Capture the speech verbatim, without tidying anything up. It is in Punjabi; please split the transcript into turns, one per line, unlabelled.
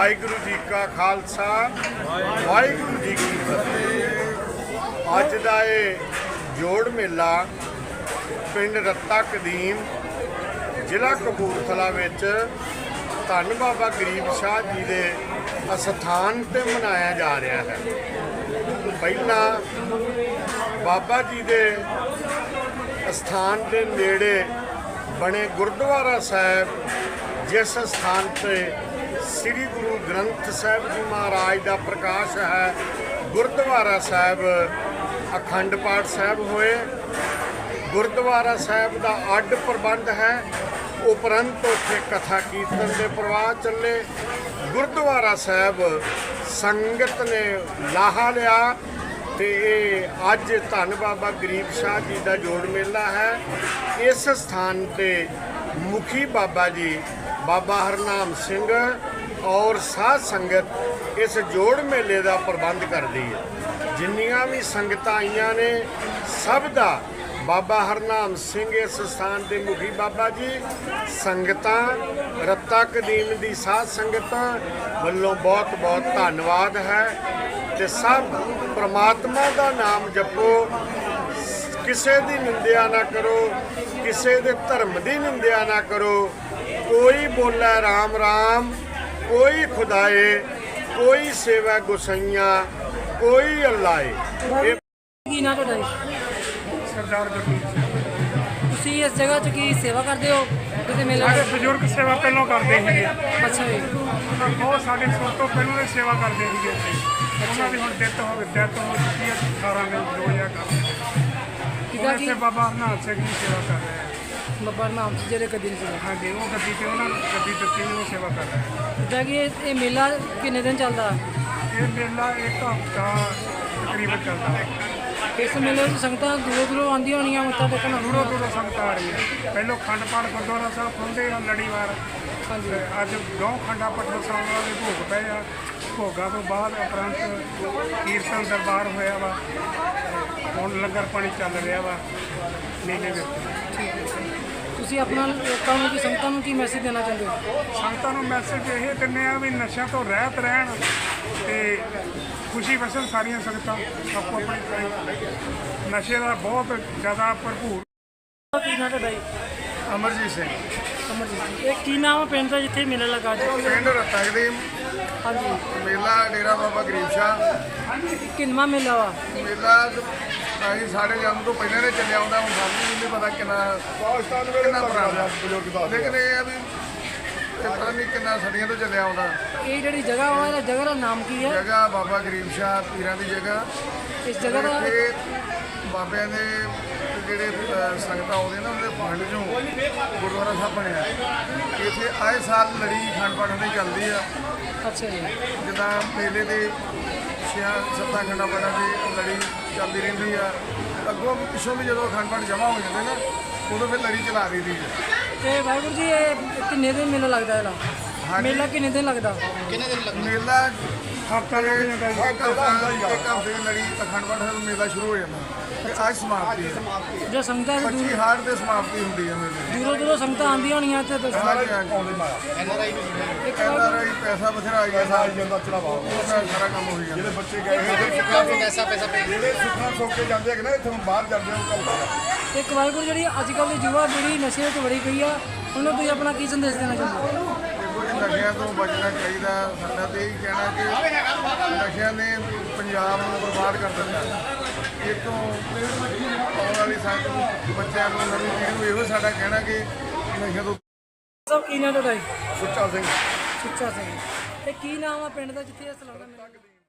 ਵਾਹਿਗੁਰੂ ਜੀ ਕਾ ਖਾਲਸਾ ਵਾਹਿਗੁਰੂ ਜੀ ਕੀ ਫਤਿਹ। ਅੱਜ ਦਾ ਇਹ ਜੋੜ ਮੇਲਾ ਪਿੰਡ ਰੱਤਾ ਕਦੀਮ ਜ਼ਿਲ੍ਹਾ ਕਪੂਰਥਲਾ ਵਿੱਚ ਧੰਨ ਬਾਬਾ ਗਰੀਬ ਸ਼ਾਹ ਜੀ ਦੇ ਅਸਥਾਨ ਤੇ ਮਨਾਇਆ ਜਾ ਰਿਹਾ ਹੈ। ਪਹਿਲਾਂ ਬਾਬਾ ਜੀ ਦੇ ਅਸਥਾਨ ਦੇ ਨੇੜੇ ਬਣੇ ਗੁਰਦੁਆਰਾ ਸਾਹਿਬ, ਜਿਸ ਸਥਾਨ ਤੇ ਸ੍ਰੀ ਗੁਰੂ ਗ੍ਰੰਥ ਸਾਹਿਬ ਜੀ ਮਹਾਰਾਜ ਦਾ ਪ੍ਰਕਾਸ਼ ਹੈ, ਗੁਰਦੁਆਰਾ ਸਾਹਿਬ ਅਖੰਡ ਪਾਠ ਸਾਹਿਬ ਹੋਏ। ਗੁਰਦੁਆਰਾ ਸਾਹਿਬ ਦਾ ਅੱਡ ਪ੍ਰਬੰਧ ਹੈ, ਉਪਰੰਤ ਉੱਥੇ ਕਥਾ ਕੀਰਤਨ ਦੇ ਪ੍ਰਵਾਹ ਚੱਲੇ। ਗੁਰਦੁਆਰਾ ਸਾਹਿਬ ਸੰਗਤ ਨੇ ਲਾਹਾ ਲਿਆ ਤੇ ਇਹ ਅੱਜ ਧੰਨ ਬਾਬਾ ਗਰੀਬ ਸ਼ਾਹ ਜੀ ਦਾ ਜੋੜ ਮੇਲਾ ਹੈ। ਇਸ ਸਥਾਨ ਤੇ ਮੁਖੀ ਬਾਬਾ ਜੀ ਬਾਬਾ ਹਰਨਾਮ ਸਿੰਘ ਔਰ ਸਾਧ ਸੰਗਤ ਇਸ ਜੋੜ ਮੇਲੇ ਦਾ ਪ੍ਰਬੰਧ ਕਰਦੀ ਹੈ। ਜਿੰਨੀਆਂ ਵੀ ਸੰਗਤਾਂ ਆਈਆਂ ਨੇ ਸਭ ਦਾ ਬਾਬਾ ਹਰਨਾਮ ਸਿੰਘ ਇਸ ਸਥਾਨ ਦੇ ਮੁਖੀ ਬਾਬਾ ਜੀ, ਸੰਗਤਾਂ ਰੱਤਾ ਕਦੀਮ ਦੀ ਸਾਧ ਸੰਗਤਾਂ ਵੱਲੋਂ ਬਹੁਤ ਬਹੁਤ ਧੰਨਵਾਦ ਹੈ। ਤੇ ਸਭ ਪ੍ਰਮਾਤਮਾ ਦਾ ਨਾਮ ਜਪੋ, ਕਿਸੇ ਦੀ ਨਿੰਦਿਆ ਨਾ ਕਰੋ, ਕਿਸੇ ਦੇ ਧਰਮ ਦੀ ਨਿੰਦਿਆ ਨਾ ਕਰੋ। ਕੋਈ ਬੋਲੇ ਰਾਮ ਰਾਮ, ਕੋਈ ਖੁਦਾਏ, ਕੋਈ ਸੇਵਾ ਗੁਸਾਈਆਂ, ਕੋਈ ਅੱਲਾਏ।
ਕੀ ਨਾ ਤੁਹਾਡਾ ਜੀ?
ਸਰਦਾਰ ਗੁਰਮੀਤ ਸਿੰਘ।
ਤੁਸੀਂ ਇਸ ਜਗ੍ਹਾ 'ਚ ਕੀ ਸੇਵਾ ਕਰਦੇ ਹੋ? ਕਿਤੇ ਮੇਲੇ
ਸਾਡੇ ਬਜ਼ੁਰਗ ਸੇਵਾ ਪਹਿਲਾਂ ਕਰਦੇ ਸੀਗੇ,
ਅੱਛਾ ਜੀ।
ਉਹ ਸਾਡੇ ਸਭ ਤੋਂ ਪਹਿਲਾਂ ਦੀ ਸੇਵਾ ਕਰਦੇ ਸੀਗੇ ਇੱਥੇ। ਉਹਨਾਂ ਦੀ ਹੁਣ ਡੈਥ ਹੋ ਗਈ, ਡੈਥ ਹੋ ਚੁੱਕੀ ਹੈ ਅਠਾਰਾਂ ਮਈ ਦੋ ਹਜ਼ਾਰ
ਕਿੱਦਾਂ ਕੀ
ਇੱਥੇ ਬਾਬਾ ਹਰਨਾਮ ਸਿੰਘ ਦੀ ਸੇਵਾ ਕਰ ਰਹੇ ਆ।
ਬਾਬਾ ਨਾਮ ਸੀ ਜਿਹੜੇ ਕਦੀ ਸੀ।
ਹਾਂਜੀ, ਉਹ ਗੱਦੀ ਤੇ ਉਹਨਾਂ ਨੂੰ ਗੱਦੀ ਦਿੱਤੀ, ਉਹ ਸੇਵਾ ਕਰ ਰਹੇ ਆ।
ਜਿੱਦਾਂ ਕਿ ਇਹ ਇਹ ਮੇਲਾ ਕਿੰਨੇ ਦਿਨ ਚੱਲਦਾ?
ਇਹ ਮੇਲਾ ਇੱਕ ਹਫ਼ਤਾ ਤਕਰੀਬਨ ਚੱਲਦਾ ਹੈ।
ਇਸ ਮੇਲੇ ਵਿੱਚ ਸੰਗਤਾਂ ਦੂਰੋਂ ਦੂਰੋਂ ਆਉਂਦੀਆਂ ਹੋਣੀਆਂ ਮੱਥਾ ਟੇਕਣ।
ਦੂਰੋਂ ਦੂਰੋਂ ਸੰਗਤ ਆ ਰਹੀ ਹੈ। ਪਹਿਲੋਂ ਖੰਡ ਪਾਠ ਗੁਰਦੁਆਰਾ ਸਾਹਿਬ ਖੁੱਲ੍ਹਦੇ ਆ ਲੜੀਵਾਰ।
ਹਾਂਜੀ।
ਤੇ ਅੱਜ ਦੋ ਖੰਡਾ ਪਟਨਾ ਸਾਹਿਬ ਦੇ ਭੋਗ ਪਏ ਆ। ਭੋਗਾਂ ਤੋਂ ਬਾਅਦ ਉਪਰੰਤ ਕੀਰਤਨ ਦਰਬਾਰ ਹੋਇਆ ਵਾ। ਹੁਣ ਲੰਗਰ ਪਾਣੀ ਚੱਲ ਰਿਹਾ ਵਾ ਮੇਲੇ ਵਿੱਚ।
ਠੀਕ ਹੈ। ਤੁਸੀਂ ਆਪਣਾ ਲੋਕਾਂ ਨੂੰ, ਕੀ ਸੰਗਤਾਂ ਨੂੰ ਕੀ ਮੈਸੇਜ ਦੇਣਾ ਚਾਹੁੰਦੇ ਹੋ?
ਸੰਗਤਾਂ ਨੂੰ ਮੈਸੇਜ ਇਹ ਦਿੰਦੇ ਆ ਵੀ ਨਸ਼ਿਆਂ ਤੋਂ ਰਹਿਤ ਰਹਿਣ ਤੇ ਖੁਸ਼ੀ ਵਸਣ ਸਾਰੀਆਂ ਸੰਗਤਾਂ ਆਪੋ ਆਪਣੀ। ਨਸ਼ੇ ਦਾ ਬਹੁਤ ਜ਼ਿਆਦਾ ਭਰਪੂਰ।
ਕੀ ਨਾ ਤੁਹਾਡਾ ਜੀ?
ਅਮਰਜੀਤ ਸਿੰਘ,
ਅਮਰਜੀਤ ਜੀ। ਇਹ ਕੀ ਨਾਮ ਹੈ ਪਿੰਡ ਦਾ ਜਿੱਥੇ ਮੇਲਾ ਲੱਗਾ ਜੀ?
ਪਿੰਡ ਰੱਤਾ ਕਦੀਮ,
ਹਾਂਜੀ।
ਮੇਲਾ ਡੇਰਾ ਬਾਬਾ ਗਰੀਬ ਸ਼ਾਹ।
ਕਿੰਨਵਾਂ ਮੇਲਾ ਵਾ?
ਮੇਲਾ ਅਸੀਂ ਸਾਡੇ ਜਨਮ ਤੋਂ ਪਹਿਲਾਂ ਨੇ ਚੱਲਿਆ ਆਉਂਦਾ, ਹੁਣ ਸਾਨੂੰ ਨਹੀਂ ਪਤਾ ਕਿੰਨਾ ਕਿੰਨਾ ਪੁਰਾਣਾ, ਲੇਕਿਨ ਇਹ ਆ ਵੀ ਪਤਾ ਨਹੀਂ ਕਿੰਨਾ ਸਦੀਆਂ ਤੋਂ ਚੱਲਿਆ ਆਉਂਦਾ।
ਇਹ ਜਿਹੜੀ ਜਗ੍ਹਾ ਵਾ, ਇਹਦਾ ਜਗ੍ਹਾ ਦਾ ਨਾਮ ਕੀ ਹੈ?
ਜਗ੍ਹਾ ਬਾਬਾ ਗਰੀਬ ਸ਼ਾਹ ਪੀਰਾਂ ਦੀ ਜਗ੍ਹਾ।
ਇਸ ਜਗ੍ਹਾ ਦਾ
ਇੱਥੇ ਬਾਬਿਆਂ ਦੇ ਜਿਹੜੇ ਅ, ਸੰਗਤਾਂ ਆਉਂਦੇ ਨੇ ਉਹਦੇ ਫੰਡ ਚੋਂ ਗੁਰਦੁਆਰਾ ਸਾਹਿਬ ਬਣਿਆ। ਇੱਥੇ ਆਏ ਸਾਲ ਲੜੀ ਖੰਡ ਪਾਠ ਦੀ ਚੱਲਦੀ ਆ।
ਅੱਛਾ ਜੀ।
ਜਿੱਦਾਂ ਮੇਲੇ ਦੇ ਛਿਆਂ ਸੱਤਾਂ ਖੰਡਾਂ ਪਾਠਾਂ ਦੀ ਲੜੀ ਚੱਲਦੀ ਰਹਿੰਦੀ ਆ। ਅੱਗੋਂ ਪਿੱਛੋਂ ਵੀ ਜਦੋਂ ਅਖੰਡ ਪਾਠ ਜਮ੍ਹਾਂ ਹੋ ਜਾਂਦੇ ਨਾ, ਉਦੋਂ ਫਿਰ ਲੜੀ ਚਲਾ ਦਈਦੀ ਹੈ।
ਤੇ ਵਾਹਿਗੁਰੂ ਜੀ, ਇਹ ਕਿੰਨੇ ਦਿਨ ਮੇਲਾ ਲੱਗਦਾ ਇਹਦਾ? ਮੇਲਾ ਕਿੰਨੇ ਦਿਨ ਲੱਗਦਾ?
ਮੇਲਾ
ਹਫ਼ਤਾ ਲੱਗ ਜਾਂਦਾ ਜੀ।
ਇੱਕ ਹਫ਼ਤਾ ਇੱਕ ਹਫ਼ਤੇ ਦੀ ਲੜੀ ਅਖੰਡ ਪਾਠ ਦਾ ਮੇਲਾ ਸ਼ੁਰੂ ਹੋ ਜਾਂਦਾ ਤੇ ਅੱਜ ਸਮਾਪਤੀ ਹੈ।
ਜੋ ਸੰਗਤਾਂ ਦੂਰ-
ਪੱਚੀ ਹਾੜ ਤੇ ਸਮਾਪਤੀ ਹੁੰਦੀ ਹੈ ਮੇਲੇ ਦੀ।
ਦੂਰੋਂ ਦੂਰੋਂ ਸੰਗਤਾਂ ਆਉਂਦੀਆਂ ਹੋਣੀਆਂ ਤੇ ਦੱਸੋ।
ਹਾਂਜੀ, ਹਾਂਜੀ।
ਇੱਕ
ਐਨ
ਵਾਰ
ਆਰ ਆਈ ਪੈਸਾ ਬਥੇਰਾ ਆ ਗਿਆ, ਸਾਰਾ ਜਾਂਦਾ ਚੜਾਵਾ, ਸਾਰਾ ਕੰਮ ਹੋ ਜਾਂਦਾ। ਜਿਹੜੇ ਬੱਚੇ ਗਏ ਹੋਏ ਪੈਸਾ ਪੈਸਾ ਜਿਹੜੇ ਸੁੱਖਾਂ ਸੋਕ ਕੇ ਜਾਂਦੇ ਹੈਗੇ ਨਾ, ਇੱਥੋਂ ਬਾਹਰ ਜਾਂਦੇ ਉਹ ਕੰਮ।
ਇੱਕ ਵਾਹਿਗੁਰੂ, ਜਿਹੜੀ ਅੱਜ ਕੱਲ੍ਹ ਦੀ ਯੁਵਾ ਪੀੜ੍ਹੀ ਨਸ਼ੇ ਵਿੱਚ ਵੜੀ ਪਈ ਆ, ਉਹਨੂੰ ਤੁਸੀਂ ਆਪਣਾ ਕੀ ਸੰਦੇਸ਼ ਦੇਣਾ ਚਾਹੁੰਦੇ ਹੋ?
ਨਸ਼ਿਆਂ ਤੋਂ ਬਚਣਾ ਚਾਹੀਦਾ। ਸਾਡਾ ਤਾਂ ਇਹੀ ਕਹਿਣਾ ਕਿ ਨਸ਼ਿਆਂ ਨੇ ਪੰਜਾਬ ਨੂੰ ਬਰਬਾਦ ਕਰ ਦਿੱਤਾ। ਇਹ ਤੋਂ ਆਉਣ ਵਾਲੀ ਸੰਗਤ ਬੱਚਿਆਂ ਨੂੰ, ਨਵੀਂ ਪੀੜ੍ਹੀ ਨੂੰ ਇਹੋ ਸਾਡਾ ਕਹਿਣਾ ਕਿ ਨਸ਼ਿਆਂ ਤੋਂ।
ਸਭ ਕੀ ਨਾਮ ਤੁਹਾਡਾ ਜੀ?
ਸੁੱਚਾ ਸਿੰਘ।
ਸੁੱਚਾ ਸਿੰਘ। ਇਹ ਕੀ ਨਾਮ ਆ ਪਿੰਡ ਦਾ ਜਿੱਥੇ ਇਹ ਸਲਾਨਾ ਮੇਲਾ?